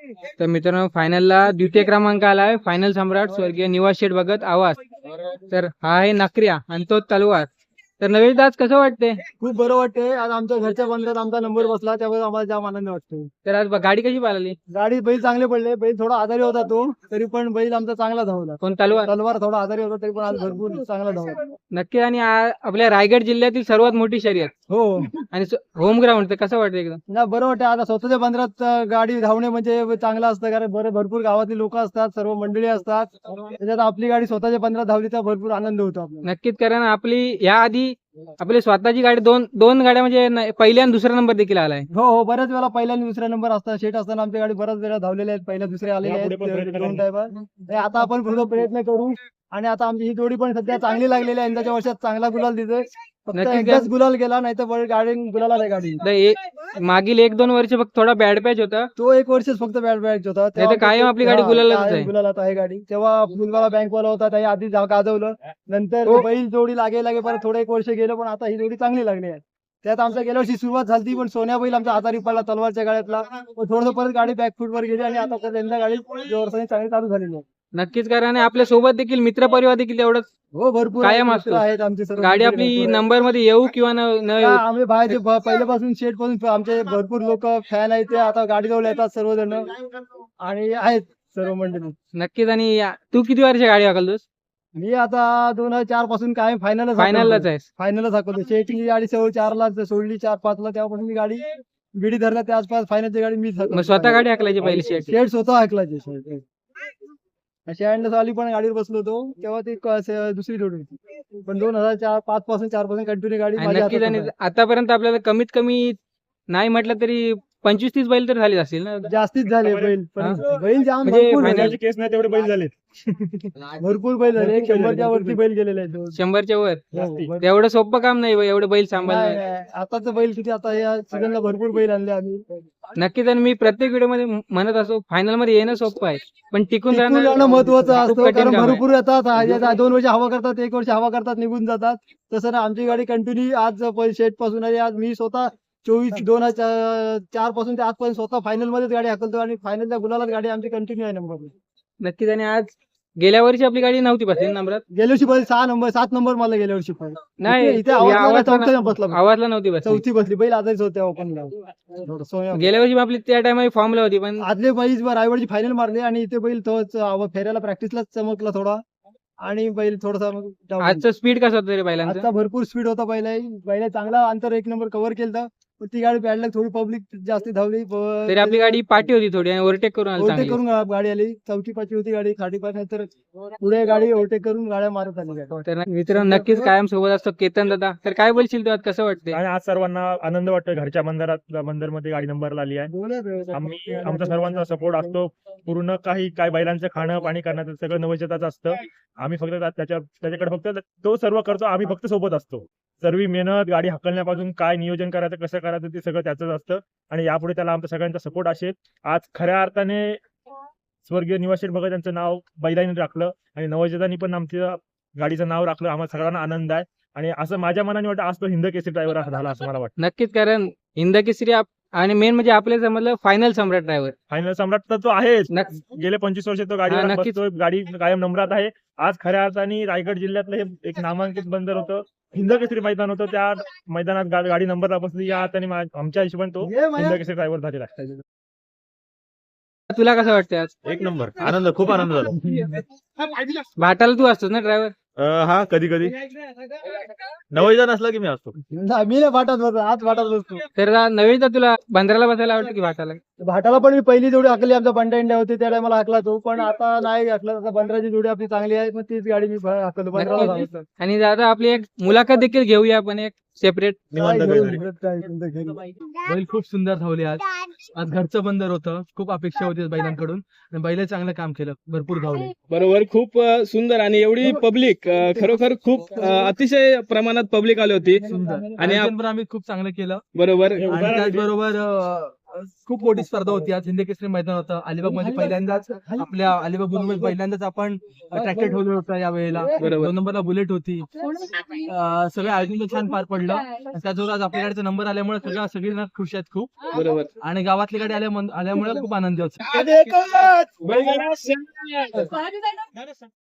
तर मित्रांनो फायनलला द्वितीय क्रमांक आलाय, फायनल सम्राट स्वर्गीय निवास शेठ भगत आवाज. तर हा आहे नकऱ्या आणि तो तलवार. तर नवेश आज कसं वाटते? खूप बरं वाटतंय. आज आमच्या घरच्या बंदरात आमचा नंबर बसला, त्यामुळे आम्हाला जाम आनंद वाटतो. तर आज गाडी कशी पाहिली? गाडी बैल चांगले पडले. बैल थोडा आजारी होता तो, तरी पण बैल आमचा चांगला धावला. कोण तलवार? तलवार थोडा आजारी होता, तरी पण आज भरपूर चांगला धावला. नक्की. आणि आपल्या रायगड जिल्ह्यातील सर्वात मोठी शर्यत हो आणि होम ग्राउंड. तर कसं वाटतं एकदम? ना बरं वाटतं. आता स्वतःच्या बंदरात गाडी धावणे म्हणजे चांगलं असतं, कारण भरपूर गावातली लोक असतात, सर्व मंडळी असतात. त्याच्यात आपली गाडी स्वतःच्या बंदरात धावली तर भरपूर आनंद होतो आपल्याला. नक्कीच. कारण आपली याआधी आपली स्वतःची गाडी दोन गाड्या म्हणजे पहिल्या आणि दुसरा नंबर देखील आलाय. हो बऱ्याच वेळा पहिला आणि दुसरा नंबर असतात. शेट असताना आमच्या गाडी बऱ्याच वेळा धावलेल्या आहेत, पहिल्या दुसऱ्या आलेल्या आहेत दोन टाइम. आता आपण पुढे प्रयत्न करू. आणि आता आमची ही जोडी पण सध्या चांगली लागलेली आहे. यंदाच्या वर्षात चांगला गुलाल दिसतोय. फक्त एकदाच गुलाल गेला, नाही तर गाडी गुलाला नाही गाडी. मागील 1-2 वर्ष फक्त थोडा बॅड पॅच होता. तो एक वर्षच फक्त बॅट बॅट होता. नाही तर कायम आपली गाडी गुलालातच आहे. गुलालात आहे गाडी. तेव्हा फुलवाला बँकवाला होता, त्याही आधी गाजवलं. नंतर बैल जोडी लागे परत थोडं एक वर्ष गेलं, पण आता ही जोडी चांगली लागली आहे. त्यात आमच्या गेल्या वर्षी सुरुवात झाली, पण सोन्या बैल आमचा आजारी पडला तलवारच्या गाड्यातला. थोडंसं परत गाडी बॅकफूट वर गेली आणि आता परत यंदा गाडी जोरसाने चांगली चालू झालेली आहे. नक्कीच. कारण आपल्या सोबत देखील मित्र परिवार देखील तेवढंच हो भरपूर कायम मित्र असतो. आहेत आमचे सर्व. गाडी आपली नंबर मध्ये येऊ किंवा न येऊ. आम्ही बाहेरचे पहिल्यापासून शेट पासून आमचे भरपूर लोक फॅन आहेत, ते आता गाडी जवळ येतात सर्वजण आणि आहेत सर्व मंडळी. नक्कीच. आणि तू किती वर्ष गाडी हाकलतोस? मी आता 2004 पासून काय फायनलच आहेस? फायनलच हाकवतो. शेटची गाडी 4ला सोडली, 4-5ला, तेव्हापासून मी गाडी बिडी धरला. त्या आसपास फायनलची गाडी मी मग स्वतः गाडी हाकलायची पहिली शेट स्वतः हाकलायची. शेट आली पण गाडीवर बसलो होतो, तेव्हा ती दुसरी जोडी होती. पण 2005 पासून 4 पासून कंटिन्यू गाडी माझ्या नक्कीच. हातात आणि होती. आतापर्यंत आपल्याला कमीत कमी नाही म्हटलं तरी 25-30 बैल तर झाली असतील ना? जास्तीच झाले बैल. पण बैल जाम म्हणजे भरपूर झाले. फायनलची केस नाही तेवढे बैल झाले. भरपूर बैल झाले. 100च्या वरती बैल गेलेले आहेत. 100च्या वर. हो, एवढं सोपं काम नाही एवढे बैल सांभाळणं. नाही, आताच बैल किती, आता या सीझनला भरपूर बैल आणले आम्ही. नक्कीच. आणि मी प्रत्येक व्हिडिओ मध्ये म्हणत असो, फायनल मध्ये येणं सोपं आहे, पण टिकून टिकून राहणं महत्वाचं खूप असतं. कठीण कारण काम आहे. भरपूर येतात, 2 वर्ष हवा करतात, 1 वर्ष हवा करतात, निघून जातात. तसं ना आमची गाडी कंटिन्यू आज शेट पासून आहे. आज मी स्वतः 2004 पासून ते आजपर्यंत स्वतः फायनल मध्येच गाडी हाकलतो आणि फायनलच्या गुलालात गाडी आमची कंटिन्यू आहे नंबर. नक्कीच. आणि आज गेल्या वर्षी आपली गाडी नव्हती बसली नंबरात. गेल्या वर्षी बैल 7 नंबर मला गेल्या वर्षी पण नाही, इथे आवाजला बसला. आवाजला नव्हती बसली. 4थी बसली. बैल आजारीच होते ओपनला. गेल्या वर्षी आपली त्या टायमा फॉर्मला होती, पण आदले बैल रायवडची फायनल मारली आणि इथे बैल तोच फेऱ्याला प्रॅक्टिसलाच चमकला थोडा आणि बैल थोडासा मग आजचं स्पीड कसं होतं रे बैलांचं? आता भरपूर स्पीड होता पहिला चांगला अंतर 1 नंबर कव्हर केलं. पण ती गाडी पॅडला थोडी पब्लिक जास्त धावली. तरी आपली गाडी पाठी होती थोडी आणि ओव्हरटेक करून आली ओव्हरटेक चांगली. करून गाडी आली. 4ठी-5ठी होती गाडी, 3.5 नंतर पुढे गाडी ओव्हरटेक करून गाड्या मारत आली गाडी. तर मित्रांनो नक्कीच कायम सोबत असतो केतन दादा. तर काय बोलशील तू आज, कसं वाटते? आणि आज सर्वांना आनंद वाटतोय. घरच्या बंदरमध्ये गाडी नंबरला आली आहे. आमचा सर्वांचा सपोर्ट असतो. पूर्ण काय बैलांचं खाणं पाणी करण्याचं सगळं नवचेताचं असतं. आम्ही फक्त त्याच्याकडे फक्त तो सर्व करतो. आम्ही फक्त सोबत असतो. सर्व मेहनत, गाडी हाकलण्यापासून काय नियोजन करायचं, कसं करायचं, ते सगळं त्याचंच असतं. आणि यापुढे त्याला आमचा सगळ्यांचा सपोर्ट असेल. आज खऱ्या अर्थाने स्वर्गीय निवास शेठ भगत यांचं नाव बैलांनी राखलं आणि नवचेतांनी पण आमच्या गाडीचं नाव राखलं. आम्हाला सगळ्यांना आनंद आहे. आणि असं माझ्या मनाने वाटतं आज तो हिंद केसरी ड्रायव्हर झाला असं मला वाटतं. नक्कीच. कारण हिंद केसरी आणि मेन म्हणजे आपल्या समजलं फायनल सम्राट ड्रायव्हर. फायनल सम्राट तर तो आहेच. गेले 25 वर्ष तो गाडी गाडी कायम नंबरात आहे. आज खऱ्या अर्थाने रायगड जिल्ह्यातलं हे एक नामांकित बंदर होतं, हिंद केसरी मैदान होतं. त्या मैदानात गाडी नंबरला बसली. या अर्थाने आमच्या हिशोबाने तो हिंद केसरी ड्रायव्हर झालेला आहे. तुला कसं वाटतं आज? एक नंबर आनंद, खूप आनंद झाला. भाटाला तू असतोस ना ड्रायव्हर? हा, कधी कधी नवैदा नसला की मी असतो. मी नाही भाटात बसतो, आज भाटात बसतो. तर नवीन तुला बंदराला बसायला आवडतं की भाटाला? भाटाला पण मी पहिली जोडी हाकली, आमचा बंडा इंडिया होती त्या टायमाला हाकला तो. पण आता नाही हाकला. आता बंदराची जोडी आपली चांगली आहे, मग तीच गाडी मी हाकलतो बंदराला धावतो. आणि दादा आपली एक मुलाखत देखील घेऊया आपण एक सेपरेट. बैल खूप सुंदर धावले आज. आज घरचं बंदर होतं, खूप अपेक्षा होती बैलांकडून आणि बैल चांगलं काम केलं, भरपूर धावले. बरोबर. खूप सुंदर आणि एवढी पब्लिक खरोखर खूप अतिशय प्रमाणात पब्लिक आली होती. आणि आम्ही खूप चांगलं केलं. बरोबर. आणि त्याचबरोबर खूप मोठी स्पर्धा होती. आज हिंद केसरी मैदान होतं अलिबाग मध्ये. पहिल्यांदाच आपल्या अलिबाग बुलुमध्ये पहिल्यांदाच आपण ट्रॅक्टर ठेवलं होतं या वेळेला. बरोबर. 2 नंबरला बुलेट होती. सगळं आयोजन पण छान पार पडलं. आणि त्याचबरोबर आज आपल्या गाडीचा नंबर आल्यामुळे सगळीजण खुश आहेत खूप. बरोबर. आणि गावातली गाडी आल्यामुळे खूप आनंदी होतो.